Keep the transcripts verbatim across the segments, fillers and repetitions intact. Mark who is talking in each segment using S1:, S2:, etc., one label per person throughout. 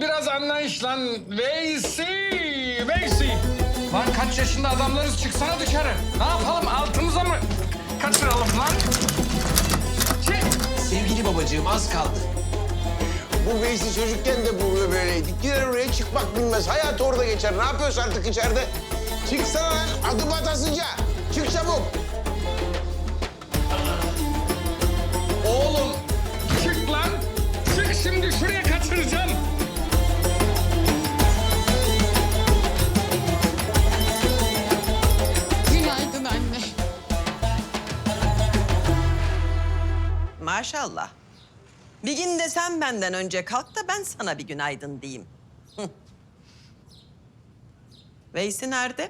S1: biraz anlayış lan. Veysi, Veysi. Lan kaç yaşında adamlarız, çıksana dışarı. Ne yapalım, altımıza mı kaçıralım lan? Çık.
S2: Sevgili babacığım az kaldı.
S3: Bu Veysi çocukken de bu böyleydi. Girer oraya çıkmak bilmez. Hayatı orada geçer. Ne yapıyorsun artık içeride? Çıksana lan. Adım atasıca. Çık çabuk.
S1: Oğlum, çık lan. Çık şimdi, şuraya kaçıracağım.
S4: Günaydın anne.
S5: Maşallah. Bir gün de sen benden önce kalk da ben sana bir günaydın diyeyim. Hı. Veysi nerede?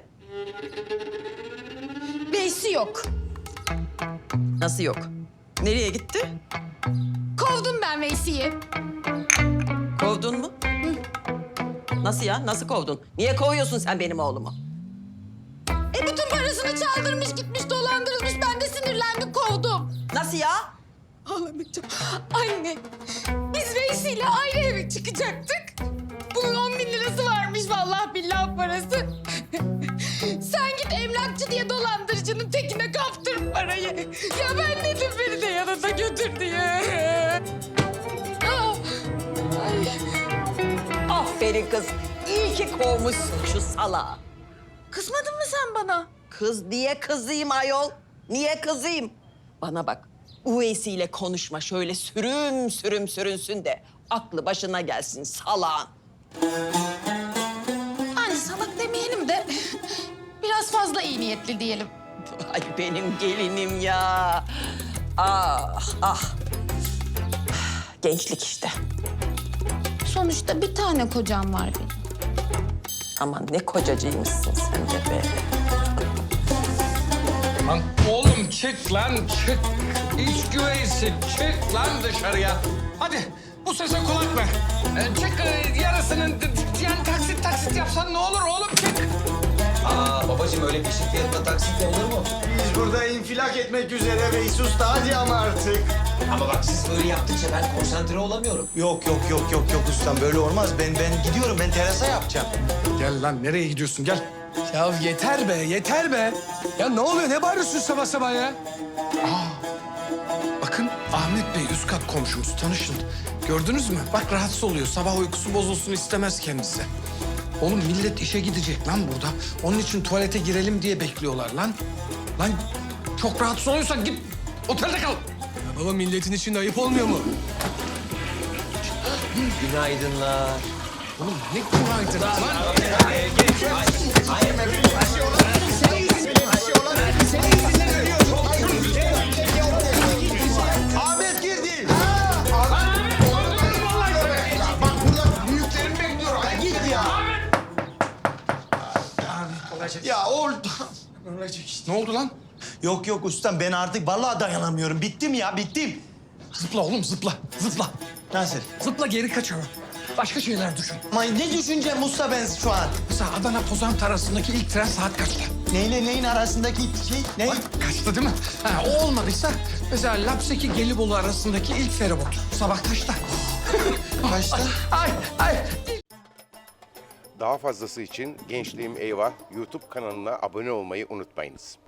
S4: Veysi yok.
S5: Nasıl yok? Nereye gitti?
S4: Kovdum ben Veysi'yi.
S5: Kovdun mu? Nasıl ya? Nasıl kovdun? Niye kovuyorsun sen benim oğlumu?
S4: E bütün parasını çaldırmış, gitmiş, dolandırılmış. Ben de sinirlendim, kovdum.
S5: Nasıl ya?
S4: Ağlamayacağım. Anne, biz Veysi'yle ayrı eve çıkacaktık. Bunun on bin lirası varmış vallahi billahi parası. Sen git emlakçı diye dolandırıcının tekine kaptır parayı. Ya ben dedim beni de yanında götür diye. Ah, ay.
S5: Aferin kız. İyi ki kovmuşsun şu salağı.
S4: Kızmadın mı sen bana?
S5: Kız diye kızayım ayol. Niye kızayım? Bana bak. Uveysi ile konuşma. Şöyle sürüm sürüm sürünsün de aklı başına gelsin salağın.
S4: Anne salak demeyelim de biraz fazla iyi niyetli diyelim.
S5: Ay benim gelinim ya. Ah ah. Gençlik işte.
S4: Sonuçta bir tane kocam var benim.
S5: Aman ne kocacıymışsın sen de be.
S1: Lan oğlum çık lan, çık. İç güveysi, çık lan dışarıya. Hadi bu sese kulak ver. Ee, çık e, yarısının, d- d- yani taksit taksit yapsan ne olur oğlum, çık.
S2: Aa babacığım öyle peşin fiyatla taksit olur mu?
S3: Biz burada infilak etmek üzere Veysi Usta. Hadi ama artık.
S2: Ama bak siz böyle yaptıkça ben konsantre olamıyorum.
S6: Yok yok yok yok yok ustam böyle olmaz. Ben ben gidiyorum ben terasa yapacağım.
S1: Gel lan, nereye gidiyorsun, gel.
S7: Ya yeter be, yeter be. Ya ne oluyor? Ne bağırıyorsun sabah sabah ya?
S1: Bakın Ahmet Bey üst kat komşumuz, tanışın. Gördünüz mü? Bak rahatsız oluyor, sabah uykusu bozulsun istemez kendisi. Oğlum millet işe gidecek lan burada. Onun için tuvalete girelim diye bekliyorlar lan. Lan çok rahatsız oluyorsan git otelde kal.
S7: Ya baba milletin içinde ayıp olmuyor mu?
S2: Günaydınlar.
S1: Oğlum ne günaydın lan.
S3: Ahmet girdi. Bak burada büyüklerim bekliyor. Hadi git ya.
S6: Ya oldu.
S1: Ne oldu lan?
S6: Yok yok ustam ben artık vallahi dayanamıyorum. Bittim ya bittim.
S1: Zıpla oğlum, zıpla, zıpla.
S6: Nasıl?
S1: Zıpla, geri kaçalım. Başka şeyler düşün.
S6: Ama ne düşüneceğim usta ben şu an?
S1: Mesela Adana Pozant arasındaki ilk tren saat kaçta?
S6: Neyle neyin arasındaki şey ne?
S1: Bak kaçtı değil mi? Ha, o olmadıysa mesela Lapseki Gelibolu arasındaki ilk feribot. Sabah kaçta?
S6: Kaçta?
S1: Ay ay.
S3: Daha fazlası için Gençliğim Eyvah YouTube kanalına abone olmayı unutmayınız.